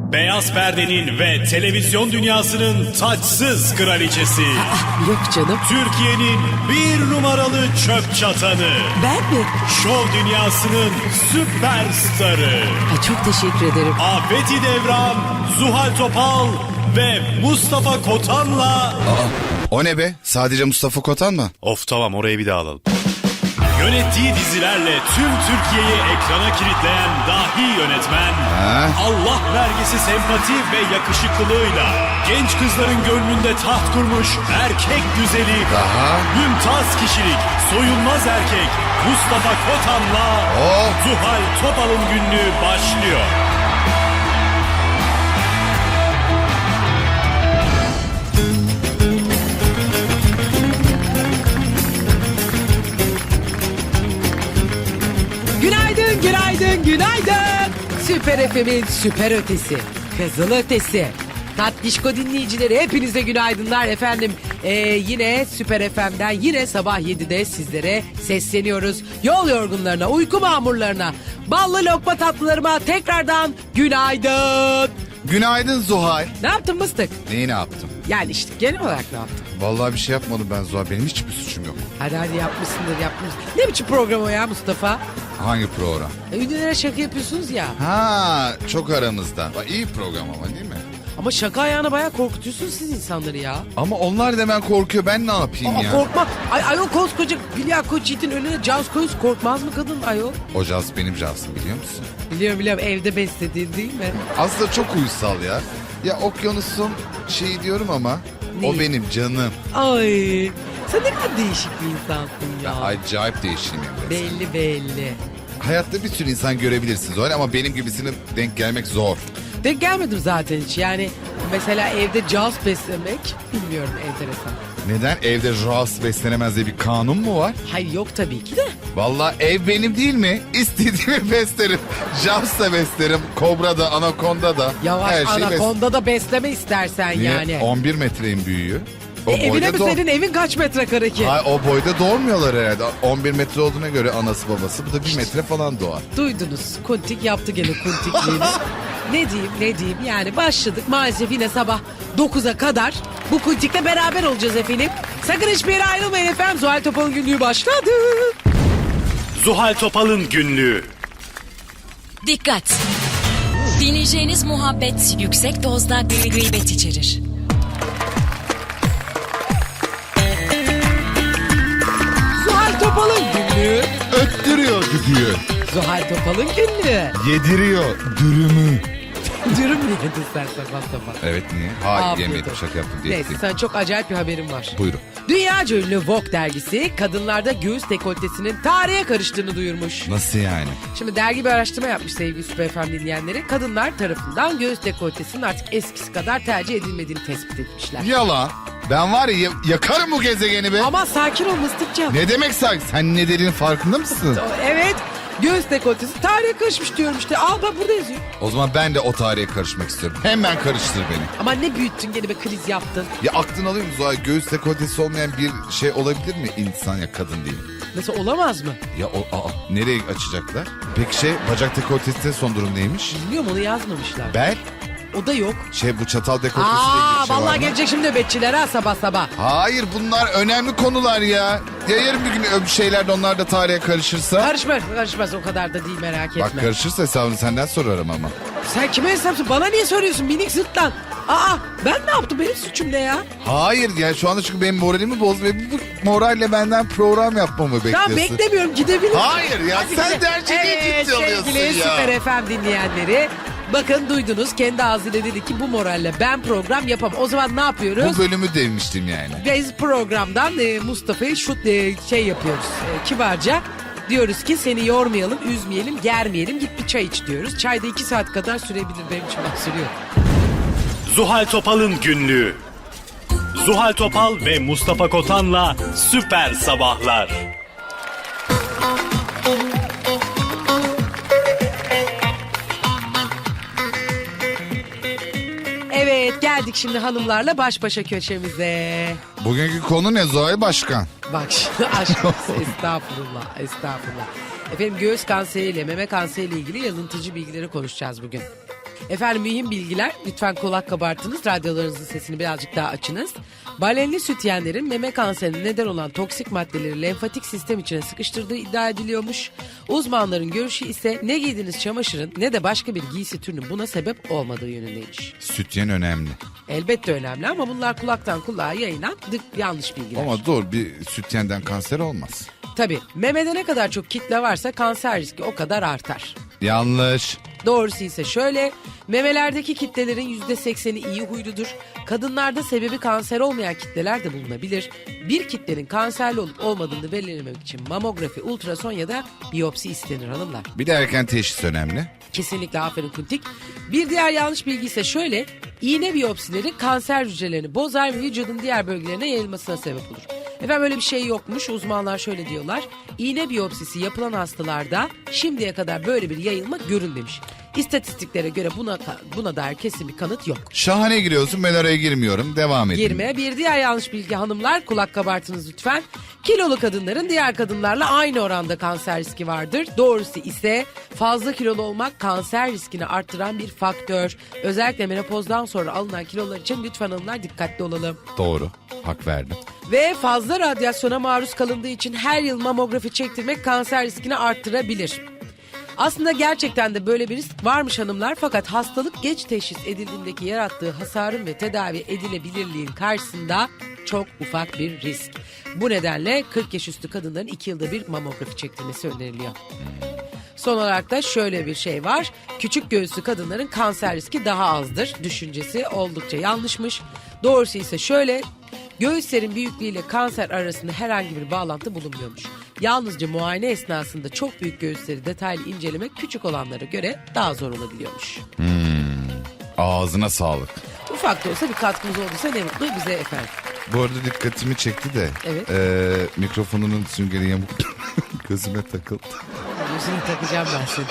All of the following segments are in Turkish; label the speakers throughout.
Speaker 1: Beyaz perdenin ve televizyon dünyasının taçsız kraliçesi.
Speaker 2: Yok canım.
Speaker 1: Türkiye'nin bir numaralı çöp çatanı.
Speaker 2: Ben mi?
Speaker 1: Şov dünyasının süperstarı.
Speaker 2: Ha, çok teşekkür ederim.
Speaker 1: Afeti Devran, Zuhal Topal ve Mustafa Kotan'la...
Speaker 3: O ne be? Sadece Mustafa Kotan mı?
Speaker 1: Of tamam, orayı bir daha alalım. Yönettiği dizilerle tüm Türkiye'yi ekrana kilitleyen dahi yönetmen, Allah vergisi sempati ve yakışıklılığıyla genç kızların gönlünde taht kurmuş erkek güzeli, mümtaz kişilik, soyunmaz erkek Mustafa Kotan'la Zuhal Topal'ın günlüğü başlıyor.
Speaker 2: Günaydın, günaydın, günaydın. Süper FM'in süper ötesi, kızıl ötesi. Tatlışko dinleyicileri hepinize günaydınlar efendim. Yine Süper FM'den yine sabah 7'de sizlere sesleniyoruz. Yol yorgunlarına, uyku mamurlarına, ballı lokma tatlılarıma tekrardan günaydın.
Speaker 3: Günaydın Zuhal.
Speaker 2: Ne yaptın mıstık?
Speaker 3: Neyi ne yaptım?
Speaker 2: Yani işte genel olarak ne yaptın?
Speaker 3: Vallahi bir şey yapmadım ben Zuhal. Benim hiçbir suçum yok.
Speaker 2: Hadi yapmışsındır. Ne biçim program o ya Mustafa?
Speaker 3: Hangi program?
Speaker 2: Ünlülere şaka yapıyorsunuz ya.
Speaker 3: Ha, çok aramızda. Bak, iyi program ama değil mi?
Speaker 2: Ama şaka ayağına bayağı korkutuyorsunuz siz insanları ya.
Speaker 3: Ama onlar da hemen korkuyor. Ben ne yapayım ya?
Speaker 2: Korkma. Ayol koskoca Hülya Koçyiğit'in önüne caz koyuz, korkmaz mı kadın ayol?
Speaker 3: O Jaz benim Jaz'ım, biliyor musun?
Speaker 2: Biliyorum evde beslediğin değil mi?
Speaker 3: Aslında çok uysal ya. Ya okyanusun şeyi diyorum ama o
Speaker 2: Ne?
Speaker 3: benim canım.
Speaker 2: Ay sen ne kadar değişik bir insansın ya.
Speaker 3: Acayip değişimim resmen.
Speaker 2: Belli.
Speaker 3: Hayatta bir sürü insan görebilirsiniz öyle ama benim gibisine denk gelmek zor.
Speaker 2: Denk gelmedim zaten hiç yani. Mesela evde caz beslemek bilmiyorum, enteresan.
Speaker 3: Neden? Evde Jaz beslenemez diye bir kanun mu var?
Speaker 2: Hayır yok tabii ki de.
Speaker 3: Vallahi ev benim değil mi? İstediğimi beslerim. Jaz da beslerim. Kobra da, anakonda da.
Speaker 2: Yavaş
Speaker 3: her şeyi
Speaker 2: anakonda da besleme istersen
Speaker 3: Niye?
Speaker 2: yani.
Speaker 3: 11 metreyim büyüğü. O
Speaker 2: Evine mi
Speaker 3: doğ-
Speaker 2: senin evin kaç metrekare ki?
Speaker 3: Hayır, o boyda doğurmuyorlar herhalde. 11 metre olduğuna göre anası babası. Bu da 1 metre falan doğar.
Speaker 2: Duydunuz. Kuntik yaptı gene kuntikliğini. ne diyeyim yani başladık maalesef yine sabah 9'a kadar bu kuntikle beraber olacağız efendim. Sakın hiçbir yere ayrılmayın efendim. Zuhal Topal'ın günlüğü başladı.
Speaker 1: Zuhal Topal'ın günlüğü.
Speaker 4: Dikkat! Dinleyeceğiniz muhabbet yüksek dozda gıybet içerir.
Speaker 2: Zuhal Topal'ın günlüğü.
Speaker 3: Öttürüyor düdüğü.
Speaker 2: Zuhal Topal'ın günlüğü.
Speaker 3: Yediriyor dürümü.
Speaker 2: Dürüm mü yedin sen sabah?
Speaker 3: Evet, niye? Hayır,
Speaker 2: Afiyet
Speaker 3: yemedim,
Speaker 2: olsun.
Speaker 3: şaka yaptım.
Speaker 2: Neyse sana çok acayip bir haberim var.
Speaker 3: Buyurun.
Speaker 2: Dünyaca ünlü Vogue dergisi kadınlarda göğüs dekoltesinin tarihe karıştığını duyurmuş.
Speaker 3: Nasıl yani?
Speaker 2: Şimdi dergi bir araştırma yapmış sevgili Süper FM dinleyenleri. Kadınlar tarafından göğüs dekoltesinin artık eskisi kadar tercih edilmediğini tespit etmişler.
Speaker 3: Yalan. Ben var ya yakarım bu gezegeni be.
Speaker 2: Ama sakin ol Mıstıkcan.
Speaker 3: Ne demek sen ne dediğinin farkında mısın?
Speaker 2: Evet, göğüs dekoltesi tarihe karışmış diyorum işte. Al bak burada yazıyor.
Speaker 3: O zaman ben de o tarihe karışmak istiyorum. Hemen karıştır beni.
Speaker 2: Ama ne büyüttün gene be, kriz yaptın.
Speaker 3: Ya aklını alıyor musun? Zuhal, göğüs dekoltesi olmayan bir şey olabilir mi insan ya kadın değil?
Speaker 2: Nasıl olamaz mı?
Speaker 3: Ya nereye açacaklar? Peki bacak dekoltesinin son durum neymiş?
Speaker 2: Bilmiyorum, onu yazmamışlar.
Speaker 3: Bel?
Speaker 2: O da yok.
Speaker 3: Bu çatal dekoltesiyle ilgili bir şey var
Speaker 2: vallahi
Speaker 3: mı?
Speaker 2: gelecek şimdi nöbetçiler ha sabah sabah.
Speaker 3: Hayır, bunlar önemli konular ya. Ya yarın bir gün bir şeyler de onlar da tarihe karışırsa?
Speaker 2: Karışmaz o kadar da değil, merak etme.
Speaker 3: Bak, karışırsa hesabını senden sorarım ama.
Speaker 2: Sen kime hesapsın? Bana niye soruyorsun minik zıtlan? Ben ne yaptım? Benim suçum ne ya?
Speaker 3: Hayır ya, şu anda çünkü benim moralimi bozdu ve bu moralle benden program yapmamı bekliyorsun.
Speaker 2: Tamam, beklemiyorum, gidebilirsin.
Speaker 3: Hayır ya,
Speaker 2: Hadi
Speaker 3: sen
Speaker 2: gidelim.
Speaker 3: de her şeyi ciddi alıyorsun
Speaker 2: sevgili
Speaker 3: ya.
Speaker 2: Süper FM dinleyenleri. Bakın duydunuz, kendi ağzıyla dedi ki bu moralle ben program yapamam. O zaman ne yapıyoruz?
Speaker 3: Bu bölümü demiştim yani.
Speaker 2: Biz programdan Mustafa'yı yapıyoruz kibarca. Diyoruz ki seni yormayalım, üzmeyelim, germeyelim. Git bir çay iç diyoruz. Çayda 2 saat kadar sürebilir, benim için bak sürüyor.
Speaker 1: Zuhal Topal'ın günlüğü. Zuhal Topal ve Mustafa Kotan'la Süper Sabahlar.
Speaker 2: Evet, geldik şimdi hanımlarla baş başa köşemize.
Speaker 3: Bugünkü konu ne Zuhal Başkan?
Speaker 2: Bak şimdi aşk olsun, estağfurullah. Efendim, göğüs kanseriyle meme kanseriyle ilgili yanıltıcı bilgileri konuşacağız bugün. Efendim mühim bilgiler. Lütfen kulak kabartınız. Radyolarınızın sesini birazcık daha açınız. Balenli sütyenlerin meme kanserine neden olan toksik maddeleri lenfatik sistem içine sıkıştırdığı iddia ediliyormuş. Uzmanların görüşü ise ne giydiğiniz çamaşırın ne de başka bir giysi türünün buna sebep olmadığı yönündeymiş.
Speaker 3: Sütyen önemli.
Speaker 2: Elbette önemli ama bunlar kulaktan kulağa yayılan yanlış bilgiler.
Speaker 3: Ama doğru, bir sütyenden kanser olmaz.
Speaker 2: Tabii memede ne kadar çok kitle varsa kanser riski o kadar artar.
Speaker 3: Yanlış.
Speaker 2: Doğrusu ise şöyle, memelerdeki kitlelerin %80'i iyi huyludur. Kadınlarda sebebi kanser olmayan kitleler de bulunabilir. Bir kitlenin kanserli olup olmadığını belirlemek için mamografi, ultrason ya da biyopsi istenir hanımlar.
Speaker 3: Bir de erken teşhis önemli.
Speaker 2: Kesinlikle aferin Kuntik. Bir diğer yanlış bilgi ise şöyle, iğne biyopsileri kanser hücrelerini bozar ve vücudun diğer bölgelerine yayılmasına sebep olur. Efendim öyle bir şey yokmuş. Uzmanlar şöyle diyorlar. İğne biyopsisi yapılan hastalarda şimdiye kadar böyle bir yayılma görülmemiş. İstatistiklere göre buna dair kesin bir kanıt yok.
Speaker 3: Şahane giriyorsun, ben oraya girmiyorum. Devam edin.
Speaker 2: Girme. Bir diğer yanlış bilgi hanımlar, kulak kabartınız lütfen. Kilolu kadınların diğer kadınlarla aynı oranda kanser riski vardır. Doğrusu ise fazla kilolu olmak kanser riskini arttıran bir faktör. Özellikle menopozdan sonra alınan kilolar için lütfen hanımlar dikkatli olalım.
Speaker 3: Doğru. Hak verdim.
Speaker 2: Ve fazla radyasyona maruz kalındığı için her yıl mamografi çektirmek kanser riskini arttırabilir. Aslında gerçekten de böyle bir risk varmış hanımlar, fakat hastalık geç teşhis edildiğindeki yarattığı hasarın ve tedavi edilebilirliğin karşısında çok ufak bir risk. Bu nedenle 40 yaş üstü kadınların 2 yılda bir mamografi çektirmesi öneriliyor. Son olarak da şöyle bir şey var. Küçük göğüslü kadınların kanser riski daha azdır düşüncesi oldukça yanlışmış. Doğrusu ise şöyle, göğüslerin büyüklüğüyle kanser arasında herhangi bir bağlantı bulunmuyormuş. Yalnızca muayene esnasında çok büyük göğüsleri detaylı incelemek küçük olanlara göre daha zor olabiliyormuş.
Speaker 3: Ağzına sağlık.
Speaker 2: Ufak da olsa bir katkımız olduysa ne mutlu bize efendim.
Speaker 3: Bu arada dikkatimi çekti de.
Speaker 2: Evet.
Speaker 3: Mikrofonunun süngeri yamuk gözüme takıldı.
Speaker 2: Yüzünü takacağım ben seni.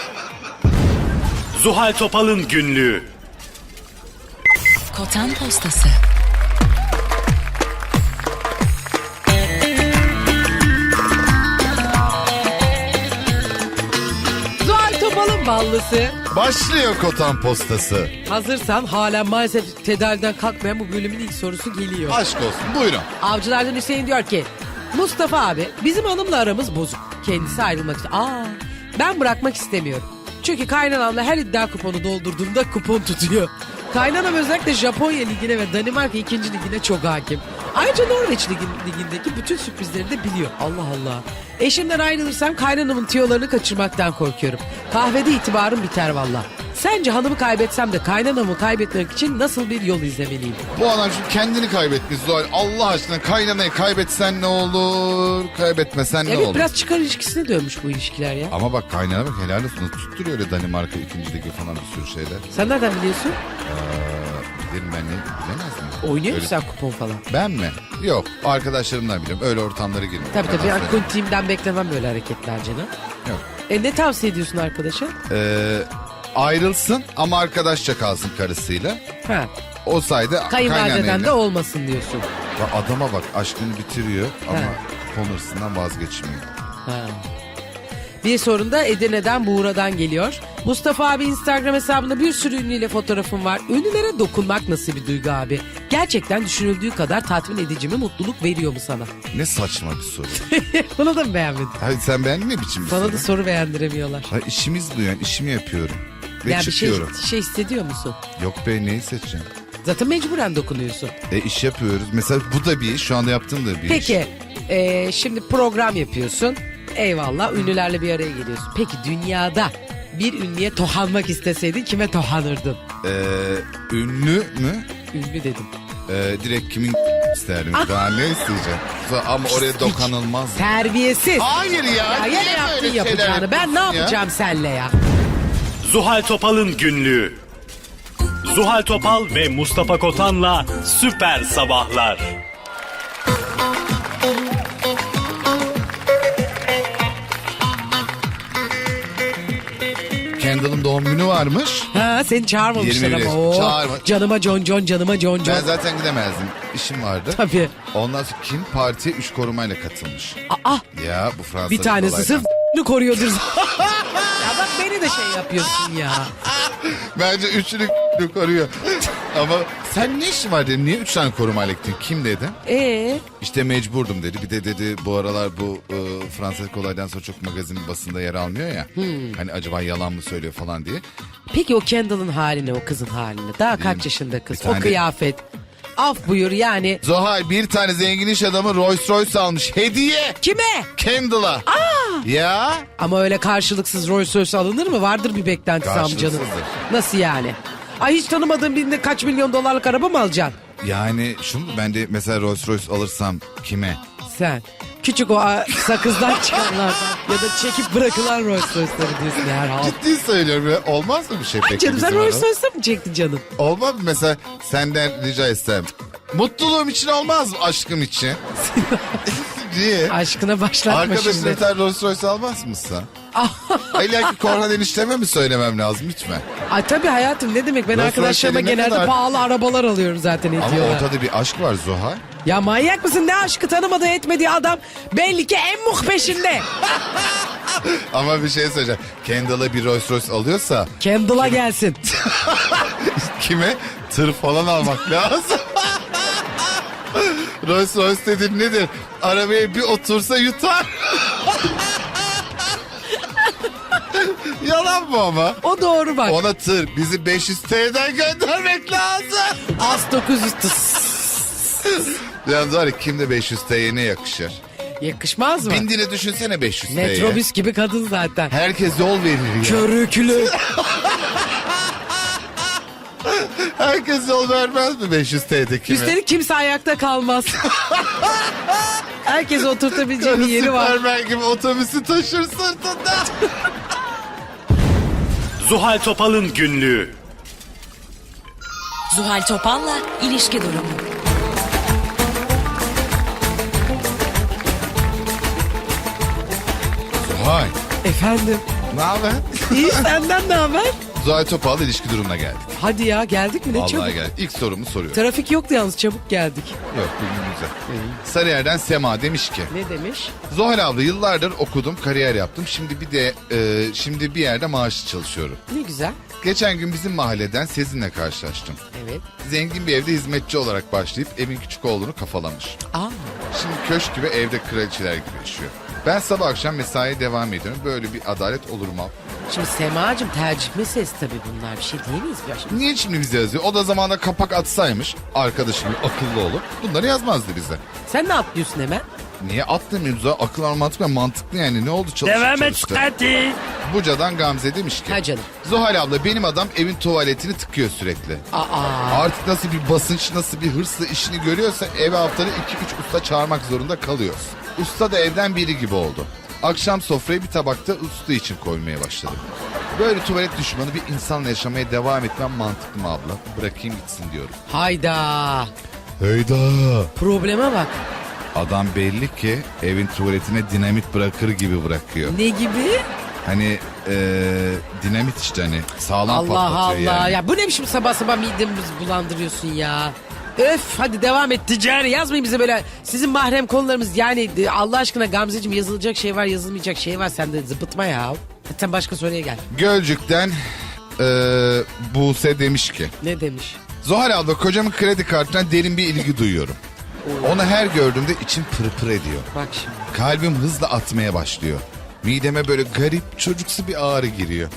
Speaker 1: Zuhal Topal'ın günlüğü.
Speaker 4: Kotan Postası.
Speaker 2: Zuhal Topal'ın ballısı.
Speaker 3: Başlıyor Kotan Postası.
Speaker 2: Hazırsan halen maalesef tedaviden kalkmayan bu bölümün ilk sorusu geliyor.
Speaker 3: Aşk olsun, buyurun.
Speaker 2: Avcılardan Hüseyin diyor ki, Mustafa abi bizim hanımla aramız bozuk. Kendisi ayrılmak istiyor. Ben bırakmak istemiyorum. Çünkü kaynanamla her iddia kuponu doldurduğumda kupon tutuyor. Kaynanam özellikle Japonya ligine ve Danimarka 2. ligine çok hakim. Ayrıca Norveç ligindeki bütün sürprizleri de biliyor. Allah Allah. Eşimden ayrılırsam kaynanamın tiyolarını kaçırmaktan korkuyorum. Kahvede itibarım biter valla. Sence hanımı kaybetsem de kaynanamı kaybetmek için nasıl bir yol izlemeliyim?
Speaker 3: Bu adam şimdi kendini kaybetmiş Zuhal. Allah aşkına kaynanayı kaybetsen ne olur, kaybetmesen ne
Speaker 2: Evet
Speaker 3: olur?
Speaker 2: biraz çıkar ilişkisine dönmüş bu ilişkiler ya.
Speaker 3: Ama bak kaynana bak helal olsun. Tutturuyor öyle Danimarka 2. ligi falan bir sürü şeyler.
Speaker 2: Sen nereden biliyorsun?
Speaker 3: Bilirim ben, ne bilemez miyim?
Speaker 2: Oynuyor
Speaker 3: Öyle-
Speaker 2: musun sen kupon falan?
Speaker 3: Ben mi? Yok, arkadaşlarımdan biliyorum. Öyle ortamlara girmiyorum.
Speaker 2: Tabii tabii.
Speaker 3: Yalan
Speaker 2: Yani team'den beklemem böyle hareketler canım.
Speaker 3: Yok.
Speaker 2: Ne tavsiye ediyorsun arkadaşa?
Speaker 3: Ayrılsın ama arkadaşça kalsın karısıyla.
Speaker 2: Ha.
Speaker 3: O sayede
Speaker 2: Kayınvalideden de olmasın diyorsun.
Speaker 3: Ya adama bak, aşkını bitiriyor ama
Speaker 2: He.
Speaker 3: kupon hırsından vazgeçmiyor.
Speaker 2: Ha. Bir sorun da Edirne'den Buğra'dan geliyor. Mustafa abi Instagram hesabında bir sürü ünlüyle fotoğrafım var. Ünlülere dokunmak nasıl bir duygu abi? Gerçekten düşünüldüğü kadar tatmin edici mi, mutluluk veriyor mu sana?
Speaker 3: Ne saçma bir soru.
Speaker 2: Bunu da mı beğenmedin?
Speaker 3: Hayır, sen beğendin ne biçim bir
Speaker 2: Sana
Speaker 3: soru?
Speaker 2: da soru beğendiremiyorlar.
Speaker 3: Hayır, işimiz bu yani, işimi yapıyorum. Ve
Speaker 2: Yani bir
Speaker 3: çıkıyorum.
Speaker 2: şey hissediyor musun?
Speaker 3: Yok be, neyi seçeceğim?
Speaker 2: Zaten mecburen dokunuyorsun.
Speaker 3: İş yapıyoruz. Mesela bu da bir iş. Şu anda yaptığım da bir iş.
Speaker 2: Peki şimdi program yapıyorsun. Eyvallah, ünlülerle bir araya geliyorsun. Peki dünyada bir ünlüye tohanmak isteseydin kime tohanırdın?
Speaker 3: Ünlü mü?
Speaker 2: Ünlü dedim.
Speaker 3: Direkt kimin isterdim.
Speaker 2: Ah!
Speaker 3: Daha ne isteyeceğim? Ama oraya dokanılmaz.
Speaker 2: Terbiyesiz.
Speaker 3: Hayır ya.
Speaker 2: Ya
Speaker 3: niye
Speaker 2: yine yaptın
Speaker 3: böyle şeyler
Speaker 2: yapacağını. Ben ne
Speaker 3: yapıyorsun ya?
Speaker 2: yapacağım senle ya?
Speaker 1: Zuhal Topal'ın günlüğü. Zuhal Topal ve Mustafa Kotan'la Süper Sabahlar.
Speaker 3: Kendall'ın doğum günü varmış.
Speaker 2: Ha seni çağırmamışlar
Speaker 3: 21
Speaker 2: ama. Oo,
Speaker 3: çağırma.
Speaker 2: canıma John, canıma John.
Speaker 3: Ben zaten gidemezdim. İşim vardı.
Speaker 2: Tabii.
Speaker 3: Ondan sonra kim partiye 3 korumayla katılmış.
Speaker 2: Aa,
Speaker 3: Ya bu Fransa'da
Speaker 2: bir tanesi sırf koruyordur. Ya bak beni de şey yapıyorsun ya.
Speaker 3: Bence üçünü koruyor. Ama sen ne işin var dedim. Niye 3 tane korumayla gittin? Kim dedi? İşte mecburdum dedi. Bir de dedi bu aralar bu Fransız olaydan sonra çok magazin basında yer almıyor ya. Hani acaba yalan mı söylüyor falan diye.
Speaker 2: Peki o Kendall'ın haline, o kızın haline. Daha kaç yaşında kız?
Speaker 3: Bir tane-
Speaker 2: O kıyafet. Af buyur yani.
Speaker 3: Zuhal bir tane zengin iş adamı Rolls Royce almış. Hediye.
Speaker 2: Kime?
Speaker 3: Kendall'a. Ya.
Speaker 2: Ama öyle karşılıksız Rolls Royce alınır mı? Vardır bir beklentisi amcanın.
Speaker 3: Karşılıksızdır.
Speaker 2: Nasıl yani? Ay hiç tanımadığın birinde kaç milyon dolarlık araba mı alacaksın?
Speaker 3: Yani şunu ben de mesela Rolls Royce alırsam kime?
Speaker 2: Sen. Küçük o sakızdan çıkanlardan ya da çekip bırakılan Rolls Royce'ları diyorsun herhalde.
Speaker 3: Ciddi söylüyorum ya. Olmaz mı bir şey
Speaker 2: Ay
Speaker 3: peki
Speaker 2: canım sen
Speaker 3: bizim
Speaker 2: Rolls
Speaker 3: arada?
Speaker 2: Royce'ı mı çektin canım?
Speaker 3: Olmaz mı mesela senden rica etsem? Mutluluğum için olmaz mı aşkım için? Niye?
Speaker 2: Aşkına başlatma
Speaker 3: Arkadaşına
Speaker 2: şimdi.
Speaker 3: sen Rolls Royce almaz mısın? İlla ki Korhan enişteme mi söylemem lazım hiç mi?
Speaker 2: Ay tabii hayatım ne demek ben
Speaker 3: Rolls
Speaker 2: arkadaşlarıma
Speaker 3: Royce ne
Speaker 2: genelde
Speaker 3: kadar?
Speaker 2: pahalı arabalar alıyorum zaten
Speaker 3: Ama
Speaker 2: ediyorlar.
Speaker 3: ortada bir aşk var Zuhal.
Speaker 2: Ya manyak mısın ne aşkı tanımadığı etmediği adam belli ki en muh peşinde.
Speaker 3: Ama bir şey söyleyeceğim. Kendall'a bir Rolls Royce alıyorsa
Speaker 2: Kendall'a gelsin.
Speaker 3: kime? Tır falan almak lazım. Rolls Royce dediğin nedir? Arabaya bir otursa yutar. Yalan mı ama?
Speaker 2: O doğru bak.
Speaker 3: Ona tır bizi 500 TL'den göndermek lazım.
Speaker 2: Az 900
Speaker 3: Yalnız var ya kimde 500 TL'ye ne yakışır?
Speaker 2: yakışmaz mı?
Speaker 3: Bindiğini düşünsene 500 TL'ye.
Speaker 2: Metrobüs gibi kadın zaten.
Speaker 3: Herkes yol verir ya.
Speaker 2: Körüklü.
Speaker 3: Herkes yol vermez mi 500 TL'de kime?
Speaker 2: Üstelik kimse ayakta kalmaz. Herkes oturtabileceği bir yeri var.
Speaker 3: Süpermen gibi otobüsü taşır sırtında.
Speaker 1: Zuhal Topal'ın günlüğü.
Speaker 4: Zuhal Topal'la ilişki durumu.
Speaker 3: Zuhal.
Speaker 2: Efendim.
Speaker 3: Ne haber?
Speaker 2: İyi senden ne haber?
Speaker 3: Zuhal Topal'la ilişki durumuna geldik.
Speaker 2: Hadi ya geldik mi ne
Speaker 3: Vallahi
Speaker 2: çabuk.
Speaker 3: geldik. İlk sorumu soruyorum.
Speaker 2: Trafik yoktu yalnız çabuk geldik.
Speaker 3: Yok bugün güzel. Sarıyer'den Sema demiş ki.
Speaker 2: Ne demiş?
Speaker 3: Zuhal abla yıllardır okudum, kariyer yaptım. Şimdi bir yerde maaşlı çalışıyorum.
Speaker 2: Ne güzel.
Speaker 3: Geçen gün bizim mahalleden Sezin'le karşılaştım.
Speaker 2: Evet.
Speaker 3: Zengin bir evde hizmetçi olarak başlayıp evin küçük oğlunu kafalamış.
Speaker 2: Aa.
Speaker 3: Şimdi köşk gibi evde kraliçeler gibi yaşıyor. Ben sabah akşam mesaiye devam ediyorum. Böyle bir adalet olur mu?
Speaker 2: Şimdi Semacığım tercih meselesi tabii bunlar bir şey değil miyiz? Ya şimdi
Speaker 3: Niye şimdi bize yazıyor? O da zamanında kapak atsaymış. Arkadaşım gibi akıllı olup bunları yazmazdı bize.
Speaker 2: sen ne atlıyorsun hemen?
Speaker 3: Niye atlamıyoruz? Akıl mantıklı mantıklı yani. Ne oldu çalıştı
Speaker 1: Devam et
Speaker 3: çalıştı.
Speaker 1: hadi.
Speaker 3: Buca'dan Gamze demiş ki.
Speaker 2: Ha canım.
Speaker 3: Zuhal abla benim adam evin tuvaletini tıkıyor sürekli.
Speaker 2: Aa.
Speaker 3: Artık nasıl bir basınç, nasıl bir hırsla işini görüyorsa eve haftada 2-3 usta çağırmak zorunda kalıyoruz. Usta da evden biri gibi oldu. Akşam sofrayı bir tabakta usta için koymaya başladı. Böyle tuvalet düşmanı bir insanla yaşamaya devam etmem mantıklı mı abla? Bırakayım gitsin diyorum.
Speaker 2: Hayda.
Speaker 3: Heyda.
Speaker 2: Probleme bak.
Speaker 3: Adam belli ki evin tuvaletine dinamit bırakır gibi bırakıyor.
Speaker 2: Ne gibi?
Speaker 3: Hani dinamit işte hani sağlam
Speaker 2: Allah
Speaker 3: patlatıyor
Speaker 2: Allah.
Speaker 3: yani.
Speaker 2: Ya bu ne biçim sabah sabah midemizi bulandırıyorsun ya. Öf hadi devam et ticari yazmayın bize böyle sizin mahrem konularımız yani Allah aşkına Gamzeciğim yazılacak şey var yazılmayacak şey var sen de zıpıtma ya. Sen başka soruya gel.
Speaker 3: Gölcük'ten Buse demiş ki.
Speaker 2: Ne demiş?
Speaker 3: Zuhal abla kocamın kredi kartından derin bir ilgi duyuyorum. Onu her gördüğümde içim pırpır ediyor.
Speaker 2: Bak şimdi.
Speaker 3: Kalbim hızla atmaya başlıyor. Mideme böyle garip çocuksu bir ağrı giriyor.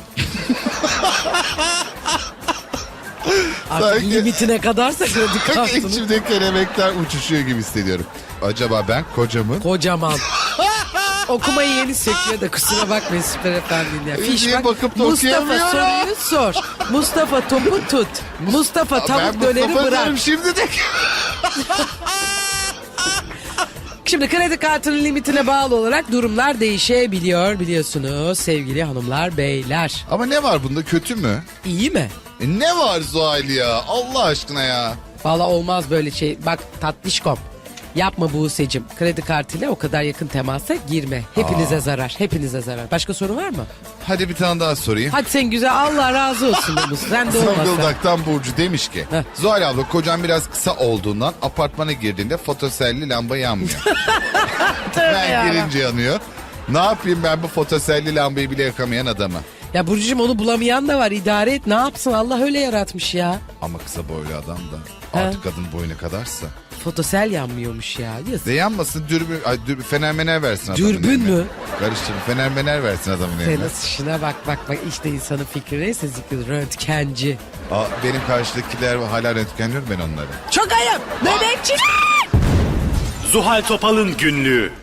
Speaker 2: Artık
Speaker 3: Sanki-
Speaker 2: limitine kadarsa kredi kartını.
Speaker 3: İçimde kelebekler uçuşuyor gibi hissediyorum. Acaba ben kocamın...
Speaker 2: Kocaman. Okumayı yeni söküyor da kusura bakmayın Süper Efendi'nin ya. Fiş
Speaker 3: Niye
Speaker 2: bak.
Speaker 3: bakıp da
Speaker 2: Mustafa
Speaker 3: okuyamıyorum?
Speaker 2: soruyu sor. Mustafa topu tut. Mustafa tavuk döneri
Speaker 3: Mustafa
Speaker 2: bırak.
Speaker 3: diyorum şimdi de.
Speaker 2: Şimdi kredi kartının limitine bağlı olarak durumlar değişebiliyor biliyorsunuz sevgili hanımlar beyler.
Speaker 3: Ama ne var bunda kötü mü?
Speaker 2: İyi mi?
Speaker 3: Ne var Zuhal ya? Allah aşkına ya.
Speaker 2: Valla olmaz böyle şey. Bak tatlışkom. Yapma Buse'cim. Kredi kartıyla o kadar yakın temasa girme. Hepinize zarar. Hepinize zarar. Başka soru var mı?
Speaker 3: Hadi bir tane daha sorayım.
Speaker 2: Hadi sen güzel Allah razı olsun. Sen de olmasa.
Speaker 3: Zonguldak Burcu demiş ki
Speaker 2: Heh.
Speaker 3: Zuhal abla kocam biraz kısa olduğundan apartmana girdiğinde fotoselli lamba yanmıyor. Ben
Speaker 2: ya.
Speaker 3: girince yanıyor. Ne yapayım ben bu fotoselli lambayı bile yakamayan adamı.
Speaker 2: Ya Burcu'cum onu bulamayan da var. İdare et, ne yapsın, Allah öyle yaratmış ya.
Speaker 3: Ama kısa boylu adam da artık kadın boyuna kadarsa.
Speaker 2: Fotosel yanmıyormuş ya. Yazık.
Speaker 3: Ne yanmasın dürbün, fenermener versin adamın
Speaker 2: Dürbün
Speaker 3: eline.
Speaker 2: mü?
Speaker 3: Karıştırın fenermener versin adamın
Speaker 2: Sen
Speaker 3: eline.
Speaker 2: nasıl şuna bak işte insanın fikri neyse zikri, röntgenci.
Speaker 3: Benim karşıdakiler hala röntgenliyorum ben onları.
Speaker 2: Çok ayıp. Nöbetçi.
Speaker 1: Zuhal Topal'ın günlüğü.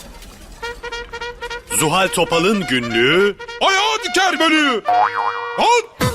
Speaker 1: Zuhal Topal'ın günlüğü. Ayağı diker beni. Al.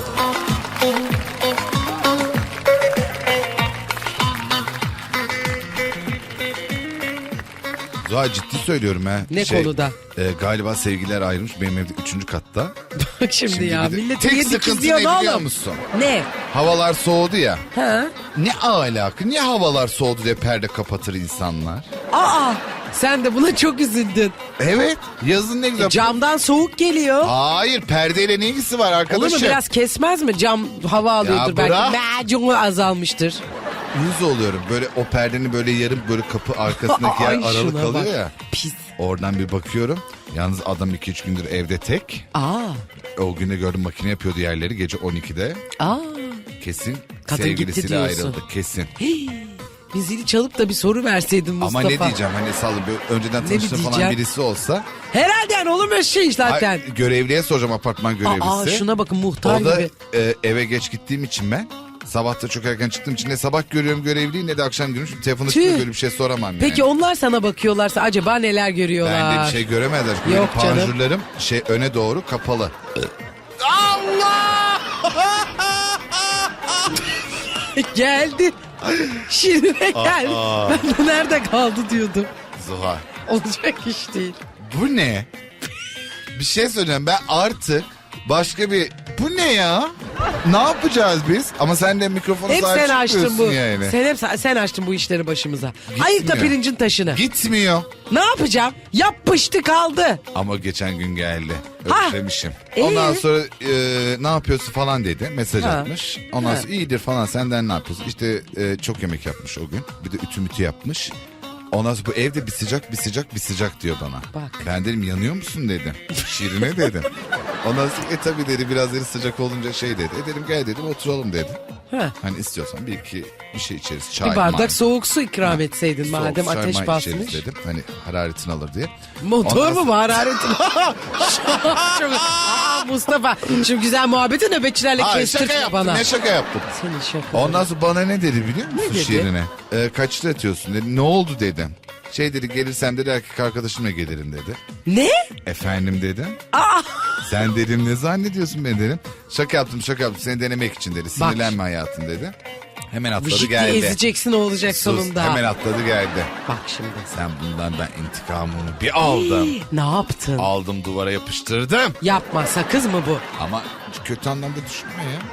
Speaker 3: Zuhal ciddi söylüyorum ha.
Speaker 2: Ne konuda?
Speaker 3: Galiba sevgiler ayrılmış benim evde 3. katta.
Speaker 2: Bak şimdi ya,
Speaker 3: bir de-
Speaker 2: millet
Speaker 3: tek
Speaker 2: niye
Speaker 3: sıkıntı
Speaker 2: dikizliyor
Speaker 3: ne
Speaker 2: ne
Speaker 3: biliyor
Speaker 2: oğlum?
Speaker 3: musun?
Speaker 2: Ne?
Speaker 3: Havalar soğudu ya.
Speaker 2: Ha?
Speaker 3: Ne alaka? Niye havalar soğudu diye perde kapatır insanlar?
Speaker 2: Aa, sen de buna çok üzüldün.
Speaker 3: Evet. Yazın ne güzel.
Speaker 2: Camdan soğuk geliyor.
Speaker 3: Hayır perdeyle ne ilgisi var
Speaker 2: Olur
Speaker 3: arkadaşım?
Speaker 2: mu, biraz kesmez mi? Cam hava alıyordur
Speaker 3: bırak.
Speaker 2: belki. Macunu azalmıştır.
Speaker 3: Yüz oluyorum. Böyle o perdenin böyle yarım böyle kapı arkasındaki yer
Speaker 2: Ay,
Speaker 3: aralık
Speaker 2: şuna
Speaker 3: kalıyor
Speaker 2: bak.
Speaker 3: ya.
Speaker 2: Pis.
Speaker 3: Oradan bir bakıyorum. Yalnız adam 2-3 gündür evde tek.
Speaker 2: Aa.
Speaker 3: O günde gördüm makine yapıyordu yerleri gece 12'de.
Speaker 2: Aa.
Speaker 3: Kesin
Speaker 2: Kadın gitti
Speaker 3: sevgilisiyle
Speaker 2: diyorsun.
Speaker 3: ayrıldı kesin.
Speaker 2: Bir zili çalıp da bir soru verseydin Mustafa.
Speaker 3: Ama ne diyeceğim hani sallı önceden
Speaker 2: Ne
Speaker 3: tanıştığım falan
Speaker 2: diyeceğim?
Speaker 3: birisi olsa.
Speaker 2: Herhalde yani olur mu öyle şey zaten.
Speaker 3: Ay, görevliye soracağım apartman görevlisi.
Speaker 2: Aa, şuna bakın, muhtar
Speaker 3: O da
Speaker 2: gibi.
Speaker 3: eve geç gittiğim için ben. Sabah da çok erken çıktığım için ne sabah görüyorum görevliyi ne de akşam görüyorum. Şimdi telefonu
Speaker 2: Tüh.
Speaker 3: çıkıyor böyle bir şey soramam yani.
Speaker 2: Peki onlar sana bakıyorlarsa acaba neler görüyorlar?
Speaker 3: Ben de bir şey göremezler. Çünkü
Speaker 2: Yok
Speaker 3: benim
Speaker 2: canım.
Speaker 3: panjurlarım öne doğru kapalı.
Speaker 2: Geldi. Şirine geldi. Ben de nerede kaldı diyordum.
Speaker 3: Zuhal.
Speaker 2: Olacak iş değil.
Speaker 3: Bu ne? Bir şey söyleyeceğim ben artık başka bir... Bu ne ya? Ne yapacağız biz? Ama sen de mikrofonu
Speaker 2: Hep
Speaker 3: sahip
Speaker 2: sen açtın bu.
Speaker 3: çıkmıyorsun yani.
Speaker 2: Sen açtın bu işleri başımıza. Ayık da pirincin taşını.
Speaker 3: Gitmiyor.
Speaker 2: Ne yapacağım? Yapıştı kaldı.
Speaker 3: Ama geçen gün geldi.
Speaker 2: Ha.
Speaker 3: Özlemişim. Ondan sonra ne yapıyorsun falan dedi. Mesaj
Speaker 2: Ha.
Speaker 3: atmış. Ondan
Speaker 2: Ha.
Speaker 3: sonra iyidir falan senden ne yapıyorsun? İşte çok yemek yapmış o gün. Bir de ütü mütü yapmış. Ondan sonra bu evde bir sıcak diyor bana.
Speaker 2: Bak.
Speaker 3: Ben dedim yanıyor musun dedim. Şirine dedim. Ondan sonra tabii dedi biraz dedi sıcak olunca şey dedi. Dedim gel dedim oturalım dedi.
Speaker 2: Ha.
Speaker 3: Hani istiyorsan bir iki bir şey içeriz. Çay,
Speaker 2: Bir bardak
Speaker 3: may.
Speaker 2: soğuk su ikram etseydin
Speaker 3: Soğuk
Speaker 2: madem
Speaker 3: çay,
Speaker 2: ateş
Speaker 3: may
Speaker 2: basmış.
Speaker 3: içeriz dedim. Hani hararetini alır diye.
Speaker 2: Motor
Speaker 3: Ondan
Speaker 2: mu
Speaker 3: sonra-
Speaker 2: bu hararetin? Çok... Aa, Mustafa şu güzel muhabbeti nöbetçilerle
Speaker 3: Hayır şaka
Speaker 2: kestirme
Speaker 3: yaptım
Speaker 2: bana.
Speaker 3: ne şaka yaptım.
Speaker 2: Senin şaka.
Speaker 3: Ondan sonra bana ne dedi biliyor musun
Speaker 2: Ne dedi?
Speaker 3: şiirine? Kaçta yatıyorsun dedi. Ne oldu dedim. Şey dedi gelirsem dedi erkek arkadaşımla gelirim dedi.
Speaker 2: Ne?
Speaker 3: Efendim dedim.
Speaker 2: Aa!
Speaker 3: Sen dedim ne zannediyorsun beni dedim. Şaka yaptım seni denemek için dedi. Sinirlenme hayatım dedi. Hemen atladı
Speaker 2: Vışık diye
Speaker 3: geldi.
Speaker 2: ezeceksin o olacak
Speaker 3: Sus,
Speaker 2: sonunda.
Speaker 3: hemen atladı geldi.
Speaker 2: Bak şimdi.
Speaker 3: Sen bundan ben intikamımı bir aldım.
Speaker 2: Ne yaptın?
Speaker 3: Aldım duvara yapıştırdım.
Speaker 2: Yapma, sakız mı bu?
Speaker 3: Ama kötü anlamda düşünme ya.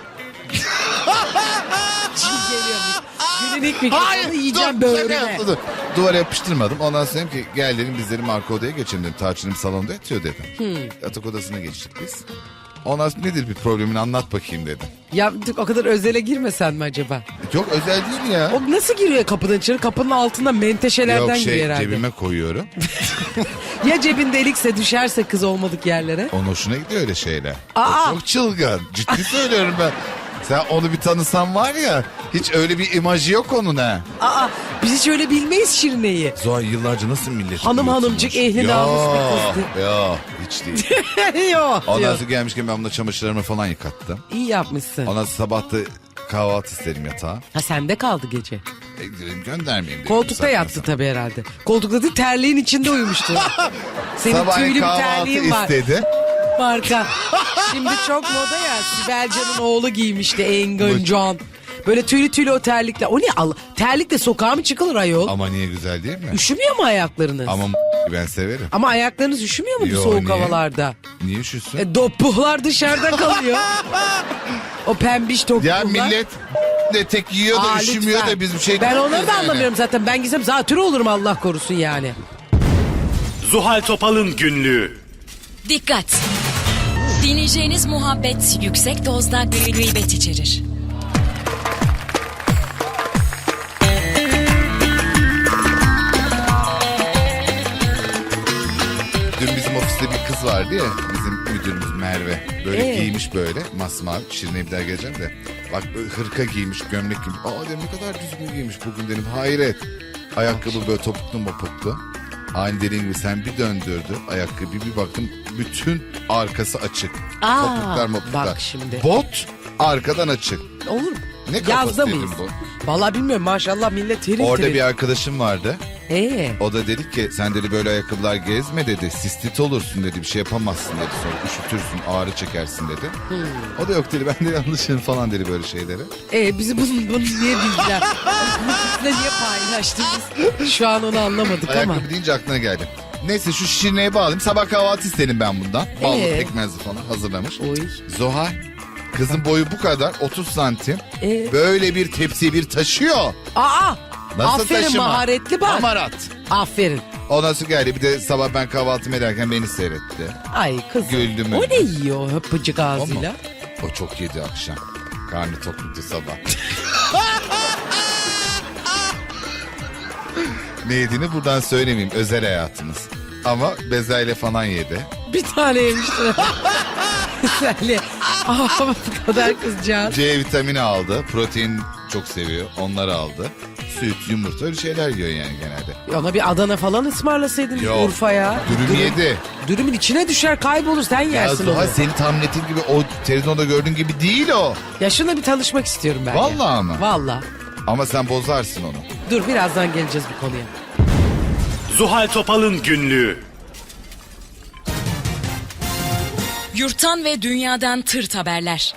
Speaker 2: Çiğ geliyormuş. Günün ilk mikrofonu yiyeceğim
Speaker 3: şaka
Speaker 2: böğrüne.
Speaker 3: yaptı, dur. Duvara yapıştırmadım. Ondan sonra dedim ki gel dedim biz dedim arka odaya geçelim dedim. Tarçın'ım salonda yatıyor dedim. Yatak odasına geçtik biz. Ondan sonra nedir bir problemini anlat bakayım dedim.
Speaker 2: Ya o kadar özele girmesen mi acaba?
Speaker 3: Yok özel değil ya.
Speaker 2: O nasıl giriyor kapıdan içeri? Kapının altında menteşelerden
Speaker 3: Yok
Speaker 2: giriyor herhalde.
Speaker 3: cebime koyuyorum.
Speaker 2: Ya cebin delikse düşerse kız olmadık yerlere?
Speaker 3: Onun hoşuna gidiyor öyle şeyler.
Speaker 2: Aa!
Speaker 3: O çok çılgın. Ciddi söylüyorum ben. Sen onu bir tanısan var ya hiç öyle bir imajı yok onun ha.
Speaker 2: Aa, biz hiç öyle bilmeyiz Şirine'yi.
Speaker 3: Zuhal yıllarca nasıl milleti
Speaker 2: Hanım
Speaker 3: uyutunmuş?
Speaker 2: hanımcık, ehli namus bir kızdı.
Speaker 3: Yok hiç değil.
Speaker 2: Yok
Speaker 3: Ondan
Speaker 2: diyor.
Speaker 3: sonra gelmişken ben bunda çamaşırlarımı falan yıkattım.
Speaker 2: İyi yapmışsın.
Speaker 3: Ondan sonra sabah da kahvaltı isterim yatağa.
Speaker 2: Ha sende kaldı gece.
Speaker 3: Dedim göndermeyeyim dedim.
Speaker 2: Koltukta
Speaker 3: Zaten
Speaker 2: yattı
Speaker 3: sana.
Speaker 2: tabii herhalde. Koltukta değil, terliğin içinde uyumuştu. Senin
Speaker 3: Sabahleyin
Speaker 2: tüylü bir
Speaker 3: kahvaltı
Speaker 2: terliğin var.
Speaker 3: istedi.
Speaker 2: Marka. Şimdi çok moda ya. Sibel Can'ın oğlu giymişti Engin Can. Böyle tüylü o terlikle. O ne Allah? Terlikle sokağa mı çıkılır ayol?
Speaker 3: Ama niye güzel değil mi?
Speaker 2: Üşümüyor mu ayaklarınız?
Speaker 3: Ama ben severim.
Speaker 2: Ama ayaklarınız üşümüyor mu bu
Speaker 3: Yo,
Speaker 2: soğuk
Speaker 3: niye?
Speaker 2: havalarda?
Speaker 3: Niye üşüsün?
Speaker 2: Dopuhlar dışarıda kalıyor. O pembiş topuhlar.
Speaker 3: Ya millet de tek yiyor da
Speaker 2: Aa,
Speaker 3: üşümüyor
Speaker 2: lütfen.
Speaker 3: da biz bir şey
Speaker 2: Ben onları
Speaker 3: demiyoruz
Speaker 2: da
Speaker 3: yani.
Speaker 2: anlamıyorum zaten. Ben gitsem zatürre olurum Allah korusun yani.
Speaker 1: Zuhal Topal'ın günlüğü.
Speaker 4: Dikkat! Dinleyeceğiniz muhabbet yüksek dozda gıybet içerir.
Speaker 3: Dün bizim vardı ya bizim müdürümüz Merve. Böyle giymiş böyle masmavi. Şirine'ye bir daha geleceğim de. Bak böyle hırka giymiş, gömlek giymiş. Aa dedim ne kadar düzgün giymiş bugün dedim. Hayret. Ayakkabı böyle topuklu mopuklu. Aynı dediğin gibi sen bir döndürdü ayakkabı bir baktım bütün arkası açık. Topuklar mopuklar.
Speaker 2: bak şimdi.
Speaker 3: Bot arkadan açık.
Speaker 2: Olur mu?
Speaker 3: Ne
Speaker 2: Yazda
Speaker 3: kafası
Speaker 2: mıyız?
Speaker 3: dedim bu.
Speaker 2: Vallahi bilmiyorum maşallah millet tiril
Speaker 3: Orada
Speaker 2: tiril.
Speaker 3: bir arkadaşım vardı.
Speaker 2: O
Speaker 3: da dedi ki sen dedi böyle ayakkabılar gezme dedi. Sistit olursun dedi bir şey yapamazsın dedi. Sonra üşütürsün ağrı çekersin dedi. O da yok dedi ben de yanlışım falan dedi böyle şeyleri.
Speaker 2: bizi bunu niye bildiler? Bunu niye paylaştınız? Şu an onu anlamadık ama.
Speaker 3: Ayakkabı deyince aklına geldi. Neyse şu Şirine'ye bağlayayım. Sabah kahvaltı istedim ben bundan. Ballı pekmezli falan hazırlamış.
Speaker 2: Oy.
Speaker 3: Zuhal kızın boyu bu kadar 30 santim. Böyle bir tepsi bir taşıyor.
Speaker 2: Aa!
Speaker 3: Nasıl
Speaker 2: aferin
Speaker 3: taşıma?
Speaker 2: maharetli bak.
Speaker 3: Hamarat.
Speaker 2: Aferin.
Speaker 3: Ondan sonra geldi bir de sabah ben kahvaltımı ederken beni seyretti.
Speaker 2: Ay kızım.
Speaker 3: Güldüm
Speaker 2: O
Speaker 3: öyle.
Speaker 2: ne yiyor höpücük ağzıyla?
Speaker 3: O çok yedi akşam. Karnı tokludu sabah. Ne yediğini buradan söylemeyeyim. Özel hayatımız. Ama bezelye falan yedi.
Speaker 2: Bir tane yemiştir. Güzel. Ama bu kadar kızcağız.
Speaker 3: C vitamini aldı. Protein çok seviyor. Onları aldı. Süt, yumurta öyle şeyler yiyor yani genelde.
Speaker 2: Ona bir Adana falan ısmarlasaydın
Speaker 3: Yok.
Speaker 2: Urfa'ya.
Speaker 3: Dürüm yedi.
Speaker 2: Dürümün içine düşer kaybolur sen
Speaker 3: Ya
Speaker 2: yersin onu.
Speaker 3: Zuhal senin tahmin ettiğin gibi o televizyonda gördüğün gibi değil o.
Speaker 2: Ya şuna bir tanışmak istiyorum ben.
Speaker 3: Vallahi mı?
Speaker 2: Vallahi.
Speaker 3: Ama sen bozarsın onu.
Speaker 2: Dur birazdan geleceğiz bu konuya.
Speaker 1: Zuhal Topal'ın günlüğü.
Speaker 4: Yurttan ve dünyadan tırt haberler.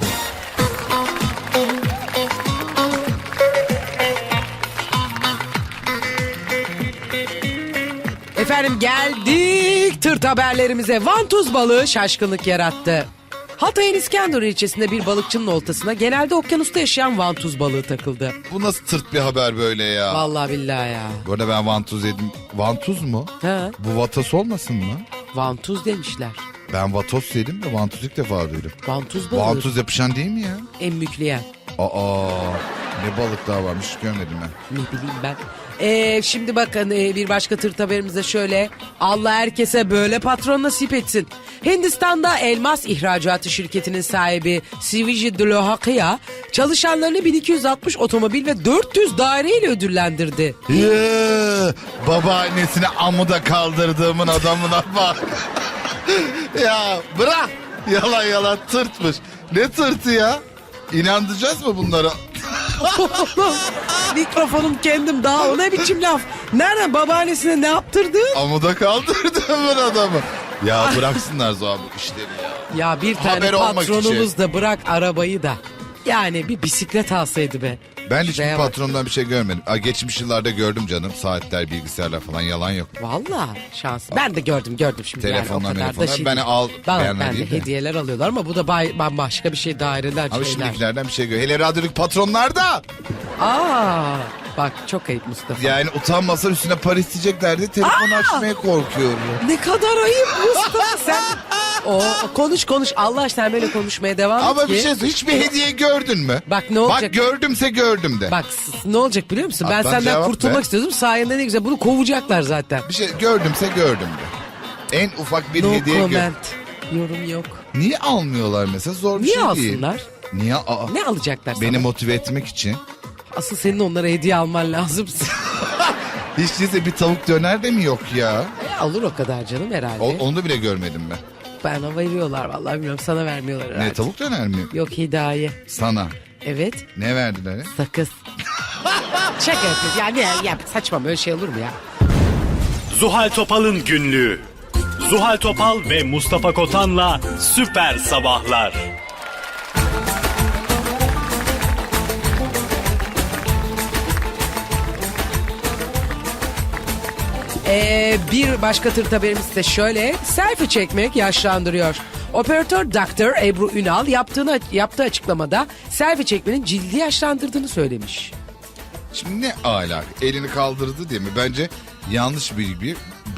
Speaker 2: Efendim geldik tırt haberlerimize. Vantuz balığı şaşkınlık yarattı. Hatay'ın İskenderun ilçesinde bir balıkçının oltasına genelde okyanusta yaşayan vantuz balığı takıldı.
Speaker 3: Bu nasıl tırt bir haber böyle ya?
Speaker 2: Vallahi billahi ya.
Speaker 3: Bu arada ben vantuz yedim. Vantuz mu?
Speaker 2: Ha,
Speaker 3: Bu vatos olmasın mı?
Speaker 2: vantuz demişler.
Speaker 3: Ben vatos yedim de vantuz ilk defa duydum.
Speaker 2: Vantuz balığı.
Speaker 3: Vantuz yapışan değil mi ya?
Speaker 2: Emmükleyen.
Speaker 3: Aa ne balıklar varmış hiç görmedim ben.
Speaker 2: Ne bileyim ben. Şimdi bakın bir başka tırt haberimizde şöyle. Allah herkese böyle patron nasip etsin. Hindistan'da elmas ihracatı şirketinin sahibi Siviji Dlohakia çalışanlarını 1260 otomobil ve 400 daireyle ödüllendirdi.
Speaker 3: Babaannesine amuda kaldırdığımın adamına bak. Ya bırak. Yalan yalan tırtmış. Ne tırtı ya? İnandıracağız mı bunlara?
Speaker 2: Mikrofonum kendim daha o ne biçim laf. Nereden babaannesine ne yaptırdı?
Speaker 3: Amuda kaldırdığımın adamı. Ya bıraksınlar Zuhal bu işleri ya.
Speaker 2: Ya bir tane
Speaker 3: Haber olmak
Speaker 2: patronumuz
Speaker 3: için.
Speaker 2: da bırak arabayı da. Yani bir bisiklet alsaydı be.
Speaker 3: Ben hiçbir
Speaker 2: Şuraya bak.
Speaker 3: patrondan bir şey görmedim. Geçmiş yıllarda gördüm canım. Saatler, bilgisayarlar falan yalan yok.
Speaker 2: Vallahi şans. Ben de gördüm şimdi.
Speaker 3: Telefonlar,
Speaker 2: yani, o kadar da
Speaker 3: telefonlar.
Speaker 2: şey
Speaker 3: Beni
Speaker 2: değil.
Speaker 3: al, beğenme
Speaker 2: Ben de
Speaker 3: değil de.
Speaker 2: hediyeler alıyorlar ama bu da bambaşka bir şey daireler
Speaker 3: Ama
Speaker 2: şeyler.
Speaker 3: şimdikilerden bir şey gör. Hele radyoluk patronlarda.
Speaker 2: Aa, bak çok ayıp Mustafa.
Speaker 3: Yani utanmasa üstüne para isteyeceklerdi. Telefonu açmaya korkuyorum.
Speaker 2: Ne kadar ayıp Mustafa sen. Konuş Allah aşkına sen böyle konuşmaya devam et
Speaker 3: Ama
Speaker 2: ki.
Speaker 3: bir şey söyle. Hiçbir hediye gördün mü?
Speaker 2: Bak ne olacak?
Speaker 3: Bak gördümse gördüm de.
Speaker 2: Bak ne olacak biliyor musun? Ben
Speaker 3: Atlan
Speaker 2: senden
Speaker 3: cevap
Speaker 2: kurtulmak
Speaker 3: ver.
Speaker 2: istiyordum. Sayende ne güzel bunu kovacaklar zaten.
Speaker 3: Bir şey gördümse gördüm de. En ufak bir
Speaker 2: No
Speaker 3: hediye
Speaker 2: comment. Yorum yok.
Speaker 3: Niye almıyorlar mesela? Zor bir
Speaker 2: Niye
Speaker 3: şey değil.
Speaker 2: alsınlar?
Speaker 3: Niye?
Speaker 2: Ne alacaklar sana?
Speaker 3: Beni motive etmek için.
Speaker 2: Asıl senin onlara hediye alman lazım.
Speaker 3: Hiç değilse bir tavuk döner de mi yok ya?
Speaker 2: Alır o kadar canım herhalde.
Speaker 3: Onu bile görmedim ben.
Speaker 2: Bana veriyorlar vallahi bilmiyorum sana vermiyorlar herhalde.
Speaker 3: Ne tavuk döner mi?
Speaker 2: Yok hediye.
Speaker 3: Sana.
Speaker 2: Evet
Speaker 3: Ne verdiler? ya?
Speaker 2: sakız. Şaka yapıyorsun ya saçma böyle şey olur mu ya?
Speaker 1: Zuhal Topal'ın günlüğü. Zuhal Topal ve Mustafa Kotan'la Süper Sabahlar.
Speaker 2: Bir başka tırt haberimiz de şöyle. Selfie çekmek yaşlandırıyor. Operatör Dr. Ebru Ünal yaptığı açıklamada selfie çekmenin cildi yaşlandırdığını söylemiş.
Speaker 3: Şimdi ne alak? Elini kaldırdı diye mi? Bence yanlış bilgi.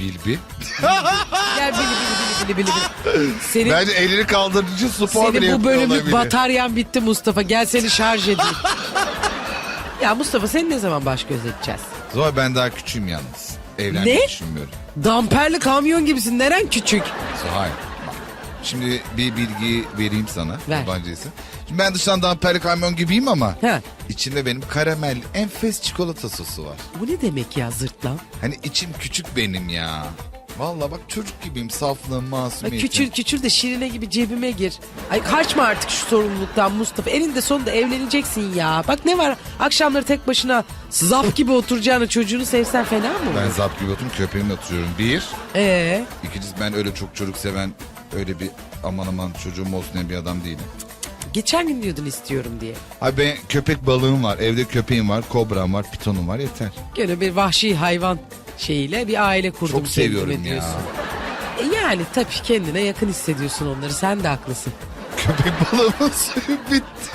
Speaker 2: Gel bili. Senin,
Speaker 3: Bence elini kaldırıcı spor bile
Speaker 2: senin bu
Speaker 3: yapıyor
Speaker 2: bölümlük
Speaker 3: olabilir.
Speaker 2: bataryan bitti Mustafa. Gel seni şarj edeyim. Ya Mustafa seni ne zaman baş göz edeceğiz?
Speaker 3: Zuhal ben daha küçüğüm yalnız. Evlenmeyi
Speaker 2: Ne?
Speaker 3: düşünmüyorum.
Speaker 2: Damperli kamyon gibisin. Neren küçük?
Speaker 3: Zuhal bak Şimdi bir bilgi vereyim sana.
Speaker 2: Ver.
Speaker 3: Yabancıysa. Şimdi ben dıştan damperli kamyon gibiyim ama
Speaker 2: Ha.
Speaker 3: içinde benim karamel enfes çikolata sosu var.
Speaker 2: Bu ne demek ya zırtlan?
Speaker 3: Hani içim küçük benim ya. Vallahi bak çocuk gibiyim, saflığım,
Speaker 2: Ay,
Speaker 3: masumiyetim.
Speaker 2: küçül küçül de şirine gibi cebime gir. Ay kaçma artık şu sorumluluktan Mustafa. Eninde sonunda evleneceksin ya. Bak ne var akşamları tek başına zap gibi oturacağını çocuğunu sevsen fena mı?
Speaker 3: Ben zap gibi oturuyorum, köpeğimle oturuyorum. Bir.
Speaker 2: Ee,
Speaker 3: İkincisi ben öyle çok çocuk seven, öyle bir aman aman çocuğum olsun diye bir adam değilim.
Speaker 2: geçen gün diyordun istiyorum diye.
Speaker 3: Abi ben köpek balığım var, evde köpeğim var, kobram var, pitonum var, yeter.
Speaker 2: Gene bir vahşi hayvan şeyiyle bir aile kurdum.
Speaker 3: Çok seviyorum
Speaker 2: kendime
Speaker 3: ya.
Speaker 2: diyorsun. Yani tabii kendine yakın hissediyorsun onları. Sen de haklısın.
Speaker 3: Köpek balığımın suyu bitti.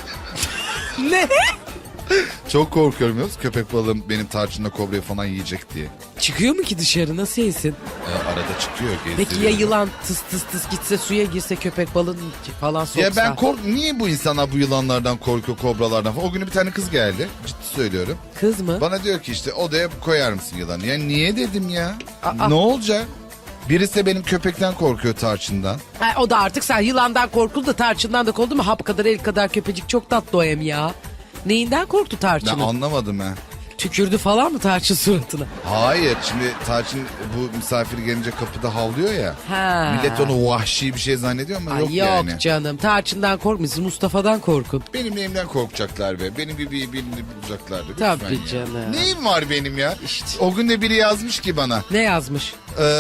Speaker 2: Ne?
Speaker 3: Çok korkuyorum biliyor musun? Köpek balığım benim tarçınla kobrayı falan yiyecek diye.
Speaker 2: Çıkıyor mu ki dışarı? Nasıl yesin?
Speaker 3: Arada çıkıyor, gezdiriyor.
Speaker 2: Peki ya yılan tıs tıs tıs gitse suya girse köpek balığını falan soksa?
Speaker 3: Ya ben niye bu insanlar bu yılanlardan korkuyor, kobralardan falan? O gün bir tane kız geldi, ciddi söylüyorum.
Speaker 2: Kız mı?
Speaker 3: Bana diyor ki işte odaya koyar mısın yılanı? Ya niye dedim ya?
Speaker 2: Aa.
Speaker 3: Ne olacak? Birisi de benim köpekten korkuyor, tarçından.
Speaker 2: Ha, o da artık sen yılandan korkuldu da tarçından da korktu mu? Hap kadar el kadar köpecik çok tatlı o hem ya. Neyinden korktu
Speaker 3: Ben
Speaker 2: tarçının?
Speaker 3: anlamadım ha.
Speaker 2: Tükürdü falan mı tarçın suratına?
Speaker 3: Hayır, şimdi tarçın bu misafir gelince kapıda havlıyor ya.
Speaker 2: Ha.
Speaker 3: Millet onu vahşi bir şey zannediyor ama
Speaker 2: Ay,
Speaker 3: yok
Speaker 2: yok
Speaker 3: yani.
Speaker 2: canım tarçından korkmuyorsun Mustafa'dan korkun.
Speaker 3: Benim neyimden korkacaklar be. Benim gibi birini bulacaklar be. Lütfen
Speaker 2: Tabii
Speaker 3: ya.
Speaker 2: canım.
Speaker 3: Neyim var benim ya?
Speaker 2: İşte.
Speaker 3: O gün de biri yazmış ki bana.
Speaker 2: Ne yazmış?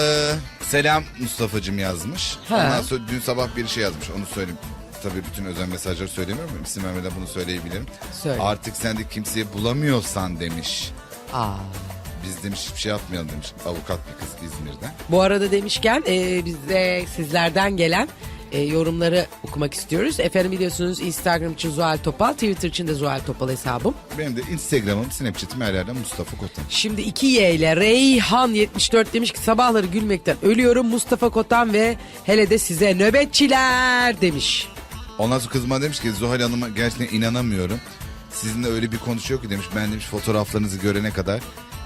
Speaker 3: Selam Mustafa'cım yazmış.
Speaker 2: Ha.
Speaker 3: Ondan sonra dün sabah bir şey yazmış. Onu söyleyeyim. Tabii bütün özel mesajları söylemiyorum. İsim vermeden bunu söyleyebilirim.
Speaker 2: Söyle.
Speaker 3: Artık sen de kimseyi bulamıyorsan demiş.
Speaker 2: Aa.
Speaker 3: Biz demiş hiçbir şey yapmayalım demiş. Avukat bir kız İzmir'den.
Speaker 2: Bu arada demişken biz de sizlerden gelen yorumları okumak istiyoruz. Efendim biliyorsunuz Instagram için Zuhal Topal, Twitter için de Zuhal Topal hesabım.
Speaker 3: Benim de Instagram'ım, Snapchat'im her yerden Mustafa Kotan.
Speaker 2: Şimdi 2Y ile Reyhan 74 demiş ki sabahları gülmekten ölüyorum Mustafa Kotan ve hele de size nöbetçiler demiş.
Speaker 3: Ondan sonra kızıma demiş ki Zuhal Hanım'a gerçekten inanamıyorum. Sizinle öyle bir konuşuyor ki demiş. Ben demiş fotoğraflarınızı görene kadar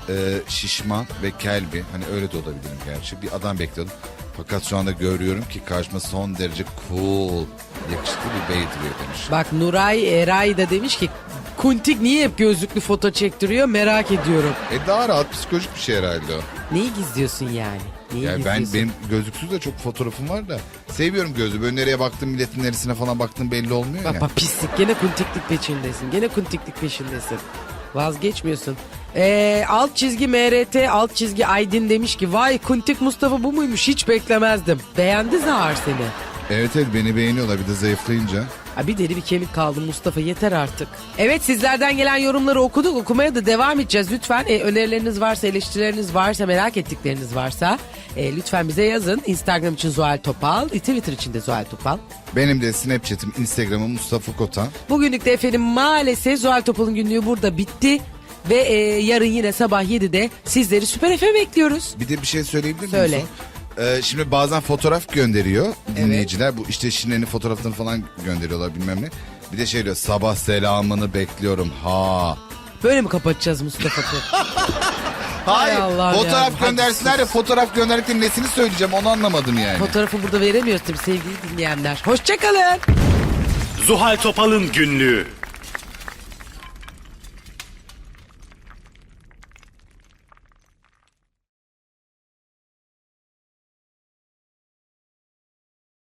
Speaker 3: şişman ve kel bir, hani öyle de olabilirim gerçi, bir adam bekliyordum. Fakat şu anda görüyorum ki karşıma son derece cool, yakışıklı bir bey duruyor demiş.
Speaker 2: Bak Nuray Eray da demiş ki Kuntik niye hep gözlüklü foto çektiriyor merak ediyorum.
Speaker 3: Daha rahat, psikolojik bir şey herhalde o.
Speaker 2: Neyi gizliyorsun yani? Neyi
Speaker 3: Yani
Speaker 2: gizliyorsun?
Speaker 3: benim gözlüksüz de çok fotoğrafım var da seviyorum gözü. Böyle nereye baktım, milletin neresine falan baktım belli olmuyor ya.
Speaker 2: Bak pislik gene kuntiklik peşindesin. Gene kuntiklik peşindesin. Vazgeçmiyorsun. Alt çizgi MRT alt çizgi Aydın demiş ki vay kuntik Mustafa bu muymuş hiç beklemezdim. Beğendi Zahar seni.
Speaker 3: Evet beni beğeniyorlar bir de zayıflayınca.
Speaker 2: Ha, bir deri bir kemik kaldı Mustafa yeter artık. Evet sizlerden gelen yorumları okuduk okumaya da devam edeceğiz. Lütfen önerileriniz varsa eleştirileriniz varsa merak ettikleriniz varsa lütfen bize yazın. Instagram için Zuhal Topal, Twitter için de Zuhal Topal.
Speaker 3: Benim de Snapchat'im, Instagram'ım Mustafa Kotan.
Speaker 2: Bugünlük de efendim maalesef Zuhal Topal'ın günlüğü burada bitti. Ve yarın yine sabah 7'de sizleri Süper FM bekliyoruz.
Speaker 3: Bir de bir şey söyleyebilir miyim?
Speaker 2: Söyle.
Speaker 3: Şimdi bazen fotoğraf gönderiyor dinleyiciler. Bu işte Şine'nin fotoğraflarını falan gönderiyorlar bilmem ne. Bir de şey diyor, sabah selamını bekliyorum ha.
Speaker 2: Böyle mi kapatacağız Mustafa'yı?
Speaker 3: Hayır,
Speaker 2: Allah'ım
Speaker 3: fotoğraf
Speaker 2: ya.
Speaker 3: göndersinler ya, fotoğraf gönderdiklerinin nesini söyleyeceğim onu anlamadım yani.
Speaker 2: Fotoğrafı burada veremiyoruz tabii sevgili dinleyenler. Hoşçakalın.
Speaker 1: Zuhal Topal'ın günlüğü.